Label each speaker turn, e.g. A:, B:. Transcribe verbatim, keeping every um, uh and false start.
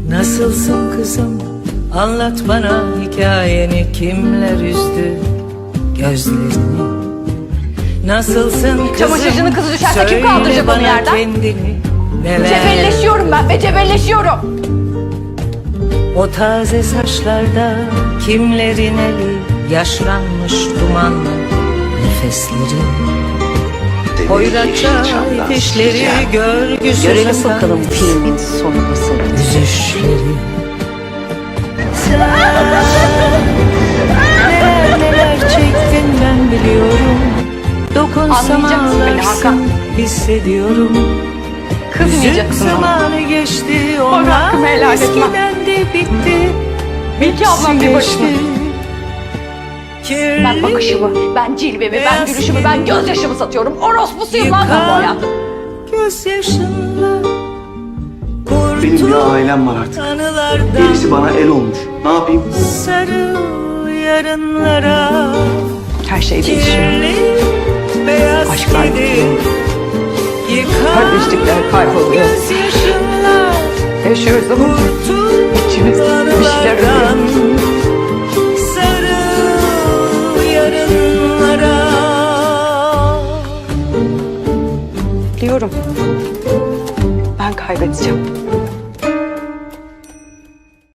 A: Nasılsın kızım? Anlat bana hikayeni, kimler üzdü gözlerini? Nasılsın kızım?
B: Çamaşırcının kızı düşerse kim kaldıracak onu yerden?
A: Kendini, neler...
B: Cebelleşiyorum ben ve cebelleşiyorum.
A: O taze saçlarda kimlerin eli, yaşlanmış dumanlı nefesleri. Hoyratça dişleri, görgüsüz
C: Görelim bakalım filmin sonu nasıl.
A: Üzüşleri. Sen neler neler çektin ben biliyorum. Dokunsam
B: Anlayacaksın beni Hakan.
A: ağlarsın hissediyorum.
B: Kızmayacaksın
A: Üzüm
B: bana.
A: zamanı geçti,
B: Bana
A: onlar
B: hakkımı helal etmem.
A: eskiden de bitti.
B: Bil ki ablam bir başına.
A: Kirli
B: Ben bakışımı, ben cilvemi, ben gülüşümü, ben gözyaşımı satıyorum. Orospusuyum lan ben bu hayatın.
A: gözyaşınla
D: Benim bir
A: kurtul
D: ailem var artık.
A: anılardan.
D: Gerisi bana el olmuş. Ne yapayım?
A: Sarıl yarınlara.
B: Her şey değişiyor.
A: Kirli beyaz
B: Aşklar
A: kedi, yıkan
B: Kardeşlikler kayboluyor.
A: gözyaşınla
B: Yaşıyoruz ama
A: kurtul
B: içimiz bir şeyler ölüyor.
A: anılardan. Sarıl yarınlara.
B: Biliyorum. Ben kaybedeceğim.